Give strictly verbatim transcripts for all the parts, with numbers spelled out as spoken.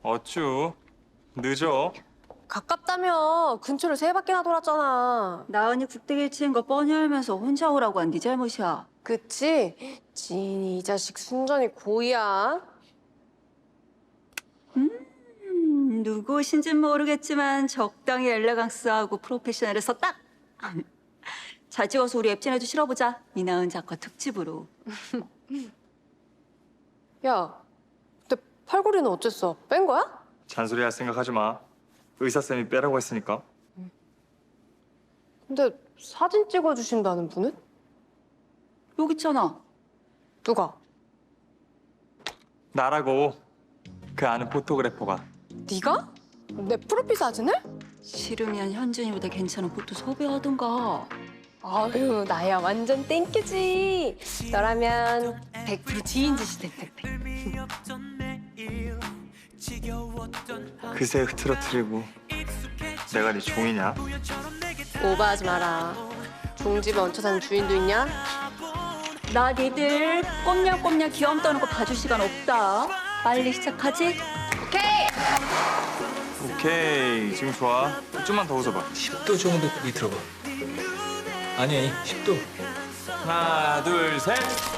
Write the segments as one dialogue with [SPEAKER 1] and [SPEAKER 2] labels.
[SPEAKER 1] 어쭈? 늦어.
[SPEAKER 2] 가깝다며 근처를 세 바퀴나 돌았잖아.
[SPEAKER 3] 나은이 국대기 치는 거 뻔히 알면서 혼자 오라고 한 네 잘못이야.
[SPEAKER 2] 그치? 지인이 이 자식 순전히 고의야.
[SPEAKER 3] 음, 누구신진 모르겠지만 적당히 엘레강스하고 프로페셔널해서 딱! 잘 찍어서 우리 앱진에도 실어보자. 이나은 작가 특집으로.
[SPEAKER 2] 야, 근데 팔걸이는 어쨌어? 뺀 거야?
[SPEAKER 1] 잔소리 할 생각하지 마. 의사쌤이 빼라고 했으니까.
[SPEAKER 2] 근데 사진 찍어주신다는 분은?
[SPEAKER 3] 여기 있잖아.
[SPEAKER 2] 누가?
[SPEAKER 1] 나라고. 그 아는 포토그래퍼가.
[SPEAKER 2] 네가? 내 프로필 사진을?
[SPEAKER 3] 싫으면 현준이보다 괜찮은 포토 섭외하던가.
[SPEAKER 2] 아유, 나야 완전 땡큐지. 너라면 백 퍼센트 지인 짓이 될 텐데.
[SPEAKER 1] 그새 흐트러트리고 내가 네 종이냐?
[SPEAKER 2] 오버하지 마라. 종집에 얹혀 사는 주인도 있냐?
[SPEAKER 3] 나 니들 꼼냥꼼냥 귀염 떠는 거 봐줄 시간 없다. 빨리 시작하지?
[SPEAKER 2] 오케이!
[SPEAKER 1] 오케이, 지금 좋아. 좀만 더 웃어봐.
[SPEAKER 4] 십 도 정도 고기 들어봐. 아니 아니 십 도.
[SPEAKER 1] 하나, 둘, 셋.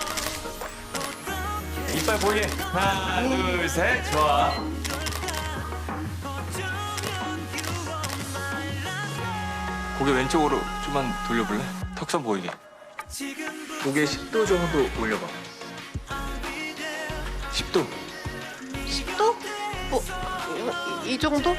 [SPEAKER 1] 이빨 보이게. 하나, 둘, 셋. 좋아. 고개 왼쪽으로 좀만 돌려볼래? 턱선 보이게.
[SPEAKER 4] 고개 십 도 정도 올려봐.
[SPEAKER 1] 십 도.
[SPEAKER 2] 십 도? 뭐, 이, 이 정도?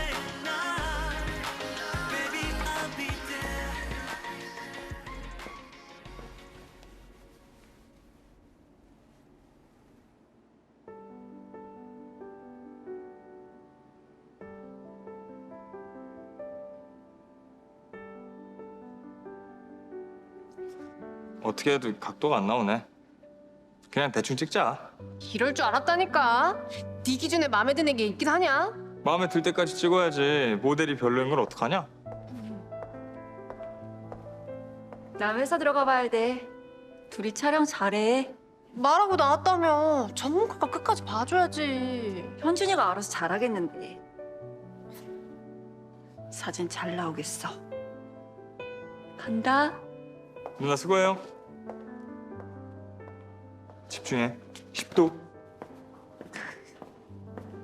[SPEAKER 1] 어떻게 해도 각도가 안 나오네. 그냥 대충 찍자.
[SPEAKER 2] 이럴 줄 알았다니까. 네 기준에 마음에 드는 게 있긴 하냐?
[SPEAKER 1] 마음에 들 때까지 찍어야지. 모델이 별로인 걸 어떡하냐?
[SPEAKER 3] 나 회사 들어가 봐야 돼. 둘이 촬영 잘해.
[SPEAKER 2] 말하고 나왔다며. 전문가가 끝까지 봐줘야지.
[SPEAKER 3] 현준이가 알아서 잘하겠는데. 사진 잘 나오겠어. 간다.
[SPEAKER 1] 누나 수고해요. 집중해. 십 도.